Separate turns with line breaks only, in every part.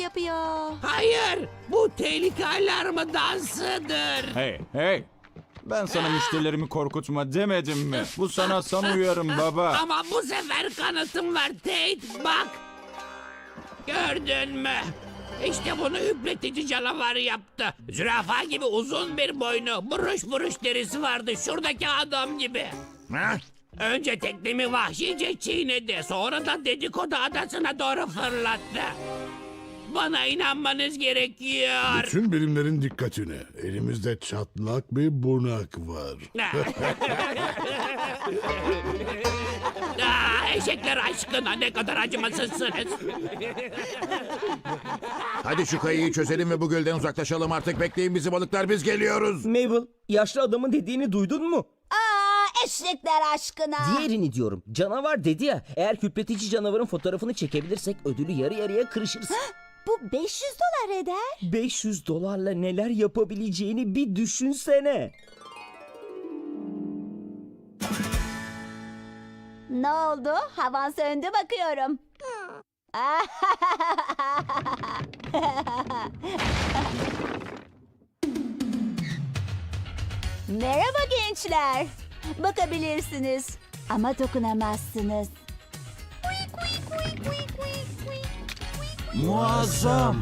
yapıyor.
Hayır, bu tehlike alarmı dansıdır.
Hey. Ben sana müşterilerimi korkutma demedim mi? Bu sana son uyarım baba.
Ama bu sefer kanıtım var Tate, bak. Gördün mü? İşte bunu hüpletici canavar yaptı. Zürafa gibi uzun bir boynu, buruş derisi vardı şuradaki adam gibi.
Ha?
Önce teknemi vahşice çiğnedi, sonra da dedikodu adasına doğru fırlattı. Bana inanmanız gerekiyor.
Bütün birimlerin dikkatine. Elimizde çatlak bir bunak var.
Eşekler aşkına ne kadar acımasızsınız.
Hadi şu kayayı çözelim ve bu gölden uzaklaşalım artık. Bekleyin bizi balıklar, biz geliyoruz.
Mabel, yaşlı adamın dediğini duydun mu?
Eşekler aşkına.
Diğerini diyorum. Canavar dedi ya, eğer hüpletici canavarın fotoğrafını çekebilirsek ödülü yarı yarıya kırışırız.
Bu 500 dolar eder.
500 dolarla neler yapabileceğini bir düşünsene.
Ne oldu? Havan söndü bakıyorum. Merhaba gençler. Bakabilirsiniz ama dokunamazsınız.
Muazzam.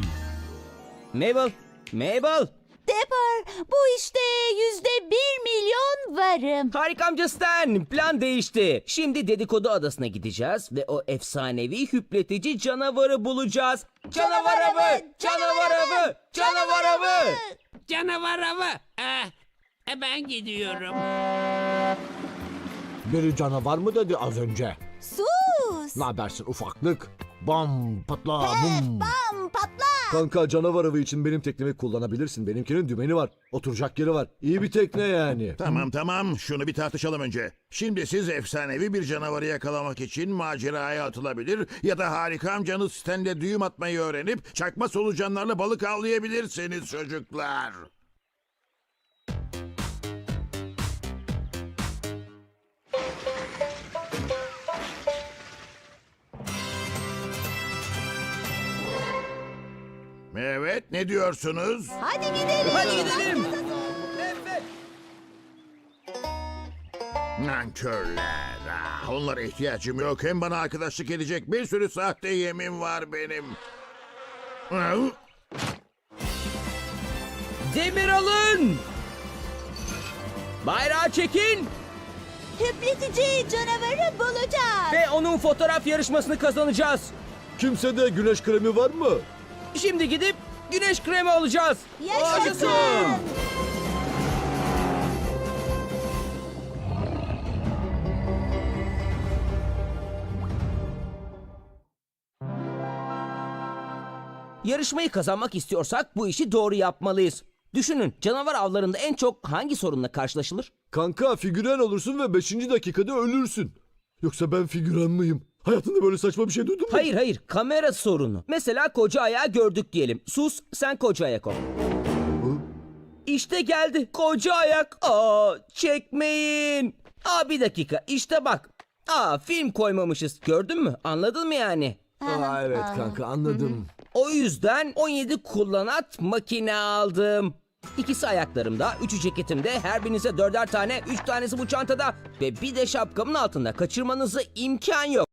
Mabel.
Dapper, bu işte %1 milyon varım.
Harika amca Stan, plan değişti. Şimdi dedikodu adasına gideceğiz ve o efsanevi hüpletici canavarı bulacağız. Canavar avı! Canavar avı! Canavar avı!
Canavar avı. Ben gidiyorum.
Biri canavar mı dedi az önce?
Sus!
Ne habersin ufaklık? Bam patla bum.
Bam patla!
Kanka canavar avı için benim teknemi kullanabilirsin. Benimkinin dümeni var. Oturacak yeri var. İyi bir tekne yani.
Tamam, şunu bir tartışalım önce. Şimdi siz efsanevi bir canavarı yakalamak için maceraya atılabilir ya da harika amcanız Stan'le düğüm atmayı öğrenip çakma solucanlarla balık avlayabilirsiniz çocuklar. Evet, ne diyorsunuz?
Hadi gidelim.
Hadi gidelim.
Nankörler. Onlara ihtiyacım yok. Hem bana arkadaşlık edecek bir sürü sahte yemin var benim.
Demir alın! Bayrağı çekin
Hüpletici canavarı bulacağız.
ve onun fotoğraf yarışmasını kazanacağız.
Kimsede güneş kremi var mı?
Şimdi gidip güneş kremi alacağız.
Yaşasın.
Yarışmayı kazanmak istiyorsak bu işi doğru yapmalıyız. Düşünün, canavar avlarında en çok hangi sorunla karşılaşılır?
Kanka figüren olursun ve 5. dakikada ölürsün. Yoksa ben figüren miyim? Hayatında böyle saçma bir şey duydun mu?
Hayır, kamera sorunu. Mesela koca ayağı gördük diyelim. Sus, sen koca ayak ol. İşte geldi koca ayak. Çekmeyin. Bir dakika, işte bak. Film koymamışız. Gördün mü? Anladın mı yani?
Evet kanka anladım.
O yüzden 17 kullanat makine aldım. İkisi ayaklarımda, 3'ü ceketimde, her birinize 4'er tane, 3 tanesi bu çantada ve bir de şapkamın altında. Kaçırmanıza imkan yok.